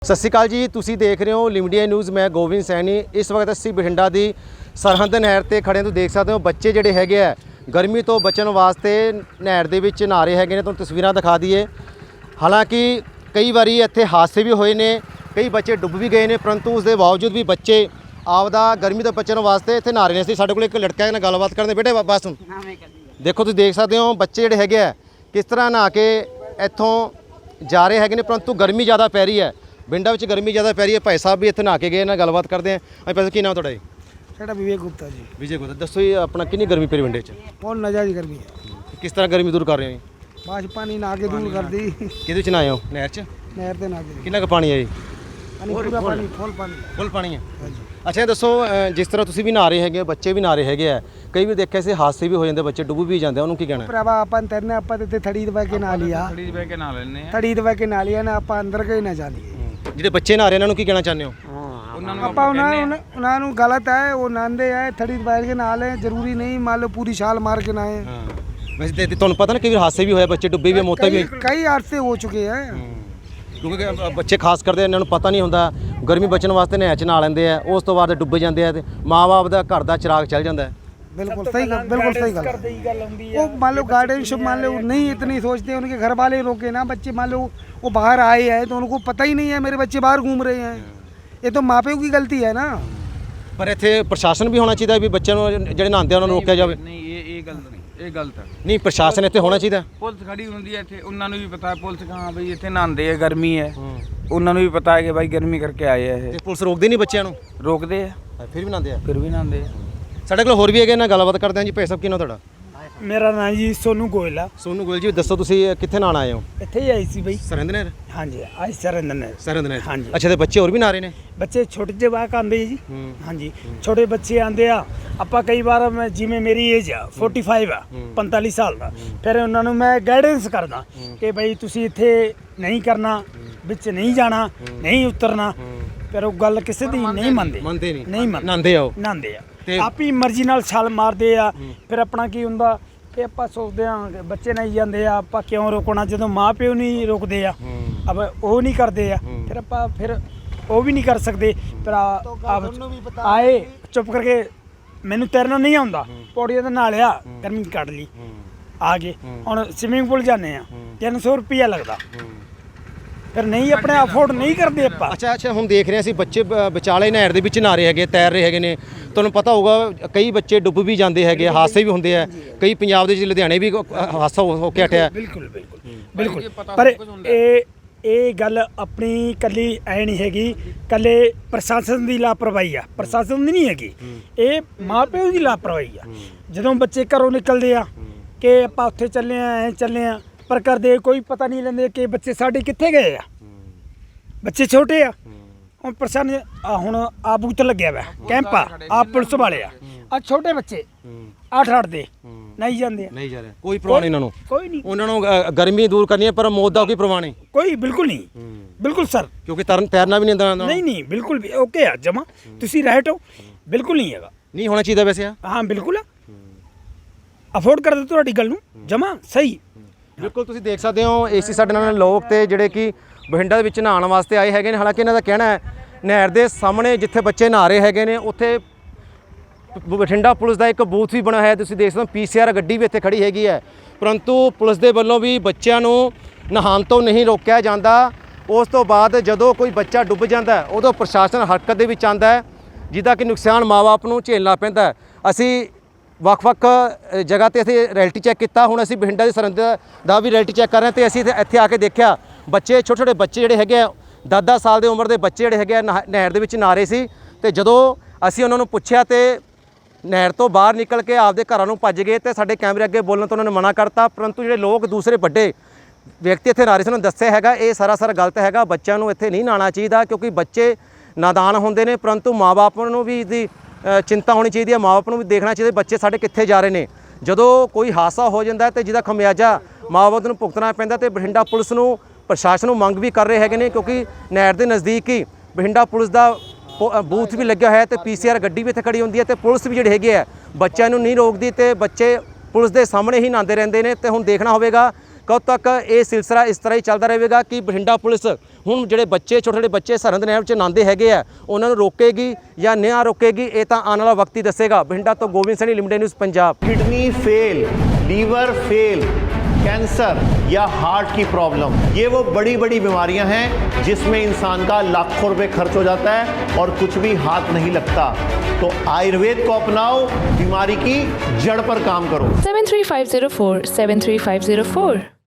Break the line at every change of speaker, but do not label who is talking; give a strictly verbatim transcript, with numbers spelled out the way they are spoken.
ਸਤਿ ਸ਼੍ਰੀ ਅਕਾਲ ਜੀ, ਤੁਸੀਂ ਦੇਖ ਰਹੇ ਹੋ ਲਿਮਿਟਡ ਨਿਊਜ਼। ਮੈਂ ਗੋਬਿੰਦ ਸੈਣੀ। ਇਸ ਵਕਤ ਅਸੀਂ ਬਠਿੰਡਾ ਦੀ ਸਰਹੰਦ ਨਹਿਰ ਤੇ ਖੜੇ ਤੋਂ ਦੇਖ ਸਕਦੇ ਹੋ ਬੱਚੇ ਜਿਹੜੇ ਹੈਗੇ ਆ ਗਰਮੀ ਤੋਂ ਬਚਣ ਵਾਸਤੇ ਨਹਿਰ ਦੇ ਵਿੱਚ ਨਹਾ ਰਹੇ ਹੈਗੇ ਨੇ। ਤੁਹਾਨੂੰ ਤਸਵੀਰਾਂ ਦਿਖਾ ਦਈਏ। ਹਾਲਾਂਕਿ ਕਈ ਵਾਰੀ ਇੱਥੇ ਹਾਦਸੇ ਵੀ ਹੋਏ ਨੇ, ਕਈ ਬੱਚੇ ਡੁੱਬ ਵੀ ਗਏ ਨੇ, ਪਰੰਤੂ ਉਸ ਦੇ ਬਾਵਜੂਦ ਵੀ ਬੱਚੇ ਆਪਦਾ ਗਰਮੀ ਤੋਂ ਬਚਣ ਵਾਸਤੇ ਇੱਥੇ ਨਹਾ ਰਹੇ ਨੇ। ਅਸੀਂ ਸਾਡੇ ਕੋਲ ਇੱਕ ਲੜਕਾ ਨਾਲ ਗੱਲਬਾਤ ਕਰਦੇ। ਬੇਟੇ ਬਸ ਹੁਣ ਦੇਖੋ, ਤੁਸੀਂ ਦੇਖ ਸਕਦੇ ਹੋ ਬੱਚੇ ਜਿਹੜੇ ਹੈਗੇ ਆ ਕਿਸ ਤਰ੍ਹਾਂ ਨਹਾ ਕੇ ਇੱਥੋਂ ਜਾ ਰਹੇ ਹੈਗੇ ਨੇ, ਪਰੰਤੂ ਗਰਮੀ ਜ਼ਿਆਦਾ ਪੈ ਰਹੀ ਹੈ। ਪਿੰਡਾਂ ਵਿੱਚ ਗਰਮੀ ਜ਼ਿਆਦਾ ਪੈ ਰਹੀ ਹੈ। ਭਾਈ ਸਾਹਿਬ ਵੀ ਇੱਥੇ ਨਹਾ ਕੇ ਗਏ ਨਾਲ ਗੱਲਬਾਤ ਕਰਦੇ ਆ। ਭਾਈ ਸਾਹਿਬ ਕੀ ਨਾਮ ਤੁਹਾਡਾ ਜੀ?
ਸਾਡਾ ਵਿਵੇਕ ਗੁਪਤਾ ਜੀ।
ਵਿਜੇ ਗੁਪਤਾ। ਦੱਸੋ ਜੀ ਆਪਣਾ ਕਿੰਨੀ ਗਰਮੀ ਪੈ ਰਹੀ ਪਿੰਡੇ 'ਚ?
ਬਹੁਤ ਨਜ਼ਾਰੀ ਗਰਮੀ ਹੈ।
ਕਿਸ ਤਰ੍ਹਾਂ ਗਰਮੀ ਦੂਰ ਕਰ ਰਹੇ ਹੋ ਜੀ?
ਬਾਸ਼ ਪਾਣੀ ਨਹਾ ਕੇ ਦੂਰ ਕਰਦੀ।
ਕਿਹਦੇ 'ਚ ਨਹਾਏ ਹੋ? ਨਹਿਰ 'ਚ?
ਨਹਿਰ ਤੇ ਨਹਾ ਕੇ
ਕਿੰਨਾ ਕੁ ਪਾਣੀ ਹੈ ਜੀ?
ਪਾਣੀ ਪੂਰਾ ਪਾਣੀ ਫੁੱਲ ਪਾਣੀ
ਫੁੱਲ ਪਾਣੀ ਹੈ।
ਹਾਂਜੀ।
ਅੱਛਾ, ਦੱਸੋ ਜਿਸ ਤਰ੍ਹਾਂ ਤੁਸੀਂ ਵੀ ਨਹਾ ਰਹੇ ਹੈਗੇ, ਬੱਚੇ ਵੀ ਨਹਾ ਰਹੇ ਹੈਗੇ ਆ, ਕਈ ਵੀ ਦੇਖਿਆ ਸੀ ਹਾਦਸੇ ਵੀ ਹੋ ਜਾਂਦੇ, ਬੱਚੇ ਡੁੱਬ ਵੀ ਜਾਂਦੇ, ਉਹਨੂੰ ਕੀ ਕਹਿਣਾ?
ਭਰਾਵਾ ਆਪਾਂ ਤੈਰਨੇ ਆਪਾਂ ਤੇ ਥੜੀ ਦਵਾ ਕੇ ਨਹਾ ਲਿਆ।
ਥੜੀ ਦਵਾ ਕੇ ਨਹਾ ਲੈਣੇ ਆ।
ਥੜੀ ਦਵਾ ਕੇ ਨਹਾ ਲਿਆ ਨਾ, ਆਪਾਂ ਅੰਦਰ ਗਏ ਨਾ ਜਾਲੀਏ।
ਜਿਹੜੇ ਬੱਚੇ ਨਹਾ ਰਹੇ ਇਹਨਾਂ ਨੂੰ ਕੀ ਕਹਿਣਾ ਚਾਹੁੰਦੇ ਹੋ?
ਉਹਨਾਂ ਨੂੰ
ਆਪਾਂ ਉਹਨਾਂ ਨੂੰ ਉਹਨਾਂ ਨੂੰ ਗਲਤ ਹੈ, ਉਹ ਨਹਾਉਂਦੇ ਆ ਥੜੀ ਦਵਾ ਕੇ ਨਹਾ ਲੈ। ਜ਼ਰੂਰੀ ਨਹੀਂ ਮੰਨ ਲਓ ਪੂਰੀ ਛਾਲ ਮਾਰ ਕੇ ਨਹਾਏ।
ਹਾਂ, ਵੈਸੇ ਤੇ ਤੁਹਾਨੂੰ ਪਤਾ ਨਾ ਕਈ ਵਾਰ ਹਾਦਸੇ ਵੀ ਹੋਏ, ਬੱਚੇ ਡੁੱਬੇ ਵੀ, ਮੌਤਾਂ ਵੀ।
ਕਈ ਹਾਦਸੇ ਹੋ ਚੁੱਕੇ ਹੈ।
ਕਿਉਂਕਿ ਬੱਚੇ ਖਾਸ ਕਰਦੇ ਇਹਨਾਂ ਨੂੰ ਪਤਾ ਨਹੀਂ ਹੁੰਦਾ, ਗਰਮੀ ਬਚਣ ਵਾਸਤੇ ਨਹਿਰ 'ਚ ਨਹਾ ਲੈਂਦੇ ਆ, ਉਸ ਤੋਂ ਬਾਅਦ ਡੁੱਬ ਜਾਂਦੇ ਆ ਤੇ ਮਾਂ-ਬਾਪ ਦਾ ਘਰ ਦਾ ਚਿਰਾਗ ਚੱਲ ਜਾਂਦਾ ਹੈ।
बिल्कुल सही गल, बिल्कुल सही गल। वो मान लो गार्डनशिप मान लो नहीं इतनी सोचते, उनके घर वाले रोके ना। बच्चे मान लो वो बाहर आए हैं तो उनको पता ही नहीं है मेरे बच्चे बाहर घूम रहे हैं। ये तो माँ प्यो की गलती है ना।
ਪਰ ਇੱਥੇ ਪ੍ਰਸ਼ਾਸਨ ਵੀ ਹੋਣਾ ਚਾਹੀਦਾ ਵੀ ਬੱਚਿਆਂ ਨੂੰ ਜਿਹੜੇ ਨਹਾਉਂਦੇ ਉਹਨਾਂ ਨੂੰ ਰੋਕਿਆ ਜਾਵੇ।
ਨਹੀਂ, ਇਹ ਇਹ ਗਲਤ ਨਹੀਂ, ਇਹ ਗਲਤ ਹੈ।
ਨਹੀਂ, ਪ੍ਰਸ਼ਾਸਨ ਇੱਥੇ ਹੋਣਾ ਚਾਹੀਦਾ।
ਪੁਲਿਸ ਖੜੀ ਹੁੰਦੀ ਹੈ ਇੱਥੇ, ਉਹਨਾਂ ਨੂੰ ਵੀ ਪਤਾ ਹੈ ਪੁਲਿਸ ਕਹਾਂ ਬਈ ਇੱਥੇ ਨਹਾਉਂਦੇ ਆ, ਗਰਮੀ ਹੈ। ਉਹਨਾਂ ਨੂੰ ਵੀ ਪਤਾ ਹੈ ਕਿ ਭਾਈ ਗਰਮੀ ਕਰਕੇ ਆਏ ਆ ਇਹ।
ਤੇ ਪੁਲਿਸ ਰੋਕਦੀ ਨਹੀਂ ਬੱਚਿਆਂ ਨੂੰ?
ਰੋਕਦੇ ਆ,
ਫਿਰ ਵੀ ਨਹਾਉਂਦੇ ਆ।
ਫਿਰ ਵੀ ਨਹਾਉਂਦੇ ਆ।
ਸਾਡੇ ਕੋਲ ਹੋਰ ਵੀ ਹੈਗੇ ਨਾ, ਗੱਲਬਾਤ ਕਰਦੇ ਹਾਂ ਜੀ। ਭਾਈ ਸਾਹਿਬ ਕੀ ਨਾਮ ਤੁਹਾਡਾ?
मेरा नाम जी सोनू गोयल है।
ਸੋਨੂ ਗੋਇਲ ਜੀ, ਦੱਸੋ ਤੁਸੀਂ ਕਿੱਥੇ ਨਹਾਉਣ ਆਏ ਹੋ?
ਇੱਥੇ ਹੀ ਆਈ ਸੀ ਬਈ।
ਸਰਹੰਦ ਨਹਿਰ?
हाँ जी, आई सरंदन है।
ਸਰਹੰਦ ਨਹਿਰ।
हाँ जी।
ਅੱਛਾ, ਤੇ ਬੱਚੇ ਹੋਰ ਵੀ ਨਹਾ ਰਹੇ ਨੇ?
ਬੱਚੇ ਛੋਟੇ ਜਿਹੇ ਵਾਕ ਆਉਂਦੇ ਜੀ। हाँ जी, ਛੋਟੇ ਬੱਚੇ ਆਉਂਦੇ ਆ। ਆਪਾਂ ਕਈ ਵਾਰ ਮੈਂ ਜਿਵੇਂ ਮੇਰੀ ਏਜ ਆ ਪੈਂਤਾਲੀ ਆ, ਪੰਤਾਲੀ ਸਾਲ ਦਾ, ਫਿਰ ਉਹਨਾਂ ਨੂੰ ਮੈਂ ਗਾਈਡੈਂਸ ਕਰਦਾ ਕਿ ਬਈ ਤੁਸੀਂ ਇੱਥੇ ਨਹੀਂ ਕਰਨਾ, ਵਿੱਚ ਨਹੀਂ ਜਾਣਾ, ਨਹੀਂ ਉਤਰਨਾ। ਪਰ ਉਹ ਗੱਲ ਕਿਸੇ ਦੀ ਨਹੀਂ ਮੰਨਦੇ।
ਮੰਨਦੇ ਨਹੀਂ?
ਨਹੀਂ ਮੰਨਦੇ।
ਨਹਾਉਂਦੇ ਆ ਉਹ?
ਨਹਾਉਂਦੇ ਆ,
ਤੇ
ਆਪੀ ਮਰਜ਼ੀ ਨਾਲ ਛਾਲ ਮਾਰਦੇ ਆ। ਫਿਰ ਆਪਣਾ ਕੀ ਹੁੰਦਾ ਕਿ ਆਪਾਂ ਸੋਚਦੇ ਆ ਕਿ ਬੱਚੇ ਨਹੀਂ ਜਾਂਦੇ ਆ, ਆਪਾਂ ਕਿਉਂ ਰੋਕਣਾ ਜਦੋਂ ਮਾਂ ਪਿਓ ਨਹੀਂ ਰੋਕਦੇ ਆ। ਅਬ ਉਹ ਨਹੀਂ ਕਰਦੇ ਆ, ਫਿਰ ਆਪਾਂ ਫਿਰ ਉਹ ਵੀ ਨਹੀਂ ਕਰ ਸਕਦੇ। ਪਰ ਆਏ ਚੁੱਪ ਕਰਕੇ, ਮੈਨੂੰ ਤੈਰਨਾ ਨਹੀਂ ਆਉਂਦਾ, ਪੌੜੀਆਂ ਤੇ ਨਹਾ ਲਿਆ, ਗਰਮੀ ਕੱਢ ਲਈ, ਆ ਗਏ। ਹੁਣ ਸਵਿਮਿੰਗ ਪੂਲ ਜਾਂਦੇ ਆ, ਤਿੰਨ ਸੌ ਰੁਪਈਆ ਲੱਗਦਾ। ਫਿਰ ਨਹੀਂ ਆਪਣੇ ਅਫੋਰਡ ਨਹੀਂ ਕਰਦੇ ਆਪਾਂ।
ਅੱਛਾ ਅੱਛਾ, ਹੁਣ ਦੇਖ ਰਹੇ ਅਸੀਂ ਬੱਚੇ ਬ- ਵਿਚਾਲੇ ਨਹਿਰ ਦੇ ਵਿੱਚ ਨਹਾ ਰਹੇ ਹੈਗੇ, ਤੈਰ ਰਹੇ ਹੈਗੇ ਨੇ। ਤੁਹਾਨੂੰ ਪਤਾ ਹੋਊਗਾ ਕਈ ਬੱਚੇ ਡੁੱਬ ਵੀ ਜਾਂਦੇ ਹੈਗੇ, ਹਾਦਸੇ ਵੀ ਹੁੰਦੇ ਆ। ਕਈ ਪੰਜਾਬ ਦੇ ਵਿੱਚ ਲੁਧਿਆਣੇ ਵੀ ਹਾਦਸਾ ਹੋ ਹੋ ਕੇ ਹਟਿਆ।
ਬਿਲਕੁਲ ਬਿਲਕੁਲ ਬਿਲਕੁਲ। ਪਰ ਇਹ ਇਹ ਗੱਲ ਆਪਣੀ ਕੱਲੀ ਐ ਨਹੀਂ ਹੈਗੀ, ਕੱਲੇ ਪ੍ਰਸ਼ਾਸਨ ਦੀ ਲਾਪਰਵਾਹੀ ਆ। ਪ੍ਰਸ਼ਾਸਨ ਦੀ ਨਹੀਂ ਹੈਗੀ, ਇਹ ਮਾਂ ਪਿਓ ਦੀ ਲਾਪਰਵਾਹੀ ਆ। ਜਦੋਂ ਬੱਚੇ ਘਰੋਂ ਨਿਕਲਦੇ ਆ ਕਿ ਆਪਾਂ ਉੱਥੇ ਚੱਲੇ ਆ, ਐ ਚੱਲੇ ਆ, ਪਰ ਕਰਦੇ ਕੋਈ ਪਤਾ ਨਹੀਂ ਲੈਂਦੇ ਕਿ ਬੱਚੇ ਸਾਡੇ ਕਿੱਥੇ ਗਏ ਆ। ਬੱਚੇ ਛੋਟੇ ਆ। ਹੁਣ ਪ੍ਰਸ਼ਾਸਨ ਆ, ਹੁਣ ਆ ਬੂਤ ਲੱਗਿਆ ਵਾ ਕੈਂਪ ਆ, ਆ ਪੁਲਿਸ ਵਾਲੇ ਆ, ਆ ਛੋਟੇ ਬੱਚੇ ਅੱਠ ਅੱਠ ਦੇ ਨਹੀਂ ਜਾਂਦੇ ਆ।
ਨਹੀਂ ਜਾ ਰਹੇ, ਕੋਈ ਪ੍ਰਵਾਹ ਨਹੀਂ ਇਹਨਾਂ ਨੂੰ।
ਕੋਈ ਨਹੀਂ,
ਉਹਨਾਂ ਨੂੰ ਅ, ਗਰਮੀ ਦੂਰ ਕਰਨੀ ਹੈ, ਪਰ ਮੌਤ ਦਾ ਕੋਈ ਪ੍ਰਵਾਹ ਨਹੀਂ।
ਕੋਈ ਬਿਲਕੁਲ ਨਹੀਂ, ਬਿਲਕੁਲ ਸਰ।
ਕਿਉਂਕਿ ਤਰਨ ਤੈਰਨਾ ਵੀ ਨਹੀਂ ਆਉਂਦਾ ਉਹਨਾਂ ਨੂੰ।
ਨਹੀਂ ਨਹੀਂ, ਬਿਲਕੁਲ ਵੀ ਓਕੇ ਆ ਜਮਾ। ਤੁਸੀਂ ਰਾਈਟ ਹੋ, ਬਿਲਕੁਲ ਨਹੀਂ ਹੈਗਾ।
ਨਹੀਂ ਹੋਣਾ ਚਾਹੀਦਾ ਵੈਸੇ ਆ।
ਹਾਂ ਬਿਲਕੁਲ ਅਫੋਰਡ ਕਰਦੇ ਤੁਹਾਡੀ ਗੱਲ ਨੂੰ, ਜਮਾ ਸਹੀ।
ਬਿਲਕੁਲ, ਤੁਸੀਂ ਦੇਖ ਸਕਦੇ ਹੋ ਏਸੀ ਸਾਡੇ ਨਾਲ ਲੋਕ ਤੇ ਜਿਹੜੇ ਕਿ ਬਠਿੰਡਾ ਦੇ ਵਿੱਚ ਨਹਾਉਣ ਵਾਸਤੇ ਆਏ ਹੈਗੇ ਨੇ। ਹਾਲਾਂਕਿ ਇਹਨਾਂ ਦਾ ਕਹਿਣਾ ਹੈ ਨਹਿਰ ਦੇ ਸਾਹਮਣੇ ਜਿੱਥੇ ਬੱਚੇ ਨਹਾ ਰਹੇ ਹੈਗੇ ਨੇ, ਉੱਥੇ ਬਠਿੰਡਾ ਪੁਲਿਸ ਦਾ ਇੱਕ ਬੂਥ ਵੀ ਬਣਿਆ ਹੋਇਆ। ਤੁਸੀਂ ਦੇਖ ਸਕਦੇ ਹੋ ਪੀਸੀਆਰ ਗੱਡੀ ਵੀ ਇੱਥੇ ਖੜੀ ਹੈਗੀ ਹੈ, ਪਰੰਤੂ ਪੁਲਿਸ ਦੇ ਵੱਲੋਂ ਵੀ ਬੱਚਿਆਂ ਨੂੰ ਨਹਾਉਣ ਤੋਂ ਨਹੀਂ ਰੋਕਿਆ ਜਾਂਦਾ। ਉਸ ਤੋਂ ਬਾਅਦ ਜਦੋਂ ਕੋਈ ਬੱਚਾ ਡੁੱਬ ਜਾਂਦਾ ਹੈ, ਉਦੋਂ ਪ੍ਰਸ਼ਾਸਨ ਹਰਕਤ ਦੇ ਵਿੱਚ ਆਉਂਦਾ ਹੈ, ਜਿਹਦਾ ਕਿ ਨੁਕਸਾਨ ਮਾਂ-ਬਾਪ ਨੂੰ ਝੇਲਣਾ ਪੈਂਦਾ ਹੈ। ਅਸੀਂ ਵੱਖ-ਵੱਖ ਜਗ੍ਹਾ ਤੇ ਅਸੀਂ ਰੈਲਿਟੀ ਚੈੱਕ ਕੀਤਾ। ਹੁਣ ਅਸੀਂ ਬਠਿੰਡਾ ਦੀ ਸਰਹੰਦ ਦਾ ਵੀ ਰੈਲਿਟੀ ਚੈੱਕ ਕਰ ਰਹੇ ਹਾਂ ਤੇ ਅਸੀਂ ਇੱਥੇ ਆ ਕੇ ਦੇਖਿਆ ਬੱਚੇ, ਛੋਟੇ-ਛੋਟੇ ਬੱਚੇ ਜਿਹੜੇ ਹੈਗੇ ਆ, ਦਸ ਦਸ ਸਾਲ ਦੇ ਉਮਰ ਦੇ ਬੱਚੇ ਜਿਹੜੇ ਹੈਗੇ ਆ ਨਹਿਰ ਦੇ ਵਿੱਚ ਨਹਾ ਰਹੇ ਸੀ। ਤੇ ਜਦੋਂ ਅਸੀਂ ਉਹਨਾਂ ਨੂੰ ਪੁੱਛਿਆ ਤੇ ਨਹਿਰ ਤੋਂ ਬਾਹਰ ਨਿਕਲ ਕੇ ਆਪਦੇ ਘਰਾਂ ਨੂੰ ਭੱਜ ਗਏ ਤੇ ਸਾਡੇ ਕੈਮਰੇ ਅੱਗੇ ਬੋਲਣ ਤੋਂ ਉਹਨਾਂ ਨੇ ਮਨਾ ਕਰਤਾ। ਪਰੰਤੂ ਜਿਹੜੇ ਲੋਕ ਦੂਸਰੇ ਵੱਡੇ ਵਿਅਕਤੀ ਇੱਥੇ ਨਹਾ ਰਹੇ ਸੀ, ਉਹਨਾਂ ਨੇ ਦੱਸਿਆ ਹੈਗਾ ਇਹ ਸਰਾਸਰ ਗਲਤ ਹੈਗਾ। ਬੱਚਿਆਂ ਨੂੰ ਇੱਥੇ ਨਹੀਂ ਨਹਾਉਣਾ ਚਾਹੀਦਾ ਕਿਉਂਕਿ ਬੱਚੇ ਨਾਦਾਨ ਹੁੰਦੇ ਨੇ, ਪਰੰਤੂ ਮਾਂ-ਬਾਪ ਨੂੰ ਵੀ ਇਹਦੀ ਚਿੰਤਾ ਹੋਣੀ ਚਾਹੀਦੀ ਹੈ। ਮਾਂ-ਬਾਪ ਨੂੰ ਵੀ ਦੇਖਣਾ ਚਾਹੀਦਾ ਬੱਚੇ ਸਾਡੇ ਕਿੱਥੇ ਜਾ ਰਹੇ ਨੇ। ਜਦੋਂ ਕੋਈ ਹਾਦਸਾ ਹੋ ਜਾਂਦਾ ਤੇ ਜਿਹਦਾ ਖਮਿਆਜਾ ਮਾਂ-ਬਾਪ ਨੂੰ ਭੁਗਤਣਾ ਪੈਂਦਾ ਤੇ ਬਠਿੰਡਾ ਪੁਲਿਸ ਨੂੰ, ਪ੍ਰਸ਼ਾਸਨ ਨੂੰ ਮੰਗ ਵੀ ਕਰ ਰਹੇ ਹੈਗੇ ਨੇ ਕਿਉਂਕਿ ਨਹਿਰ ਦੇ ਨਜ਼ਦੀਕ ਹੀ ਬਠਿੰਡਾ ਪੁਲਿਸ ਦਾ ਬੂਥ ਵੀ ਲੱਗਿਆ ਹੋਇਆ ਤੇ ਪੀਸੀਆਰ ਗੱਡੀ ਵੀ ਇੱਥੇ ਖੜੀ ਹੁੰਦੀ ਹੈ ਤੇ ਪੁਲਿਸ ਵੀ ਜਿਹੜੇ ਹੈਗੇ ਆ ਬੱਚਿਆਂ ਨੂੰ ਨਹੀਂ ਰੋਕਦੀ ਤੇ ਬੱਚੇ ਪੁਲਿਸ ਦੇ ਸਾਹਮਣੇ ਹੀ ਨਹਾਉਂਦੇ ਰਹਿੰਦੇ ਨੇ। ਤੇ ਹੁਣ ਦੇਖਣਾ ਹੋਵੇਗਾ ਕਦੋਂ ਤੱਕ ਇਹ ਸਿਲਸਿਲਾ ਇਸ ਤਰ੍ਹਾਂ ਹੀ ਚੱਲਦਾ ਰਹੇਗਾ ਕਿ ਬਠਿੰਡਾ ਪੁਲਿਸ ਹੁਣ ਜਿਹੜੇ ਬੱਚੇ ਛੋਟੇ ਛੋਟੇ ਬੱਚੇ ਸਰਹੰਦ ਨਹਿਰ 'ਚ ਨਹਾਉਂਦੇ ਹੈਗੇ ਆ, ਉਹਨਾਂ ਨੂੰ ਰੋਕੇਗੀ ਜਾਂ ਨਾ ਰੋਕੇਗੀ, ਇਹ ਤਾਂ ਆਉਣ ਵਾਲਾ ਵਕਤ ਹੀ ਦੱਸੇਗਾ। ਬਠਿੰਡਾ ਤੋਂ Gobind Saini, limited news Punjab.
Kidney fail, liver fail, cancer या हार्ट की प्रॉब्लम, ये वो बड़ी बड़ी बीमारियां हैं जिसमें इंसान का लाखों रुपए खर्च हो जाता है और कुछ भी हाथ नहीं लगता। तो आयुर्वेद को अपनाओ, बीमारी की जड़ पर काम करो।
seven three five zero four seven three five zero four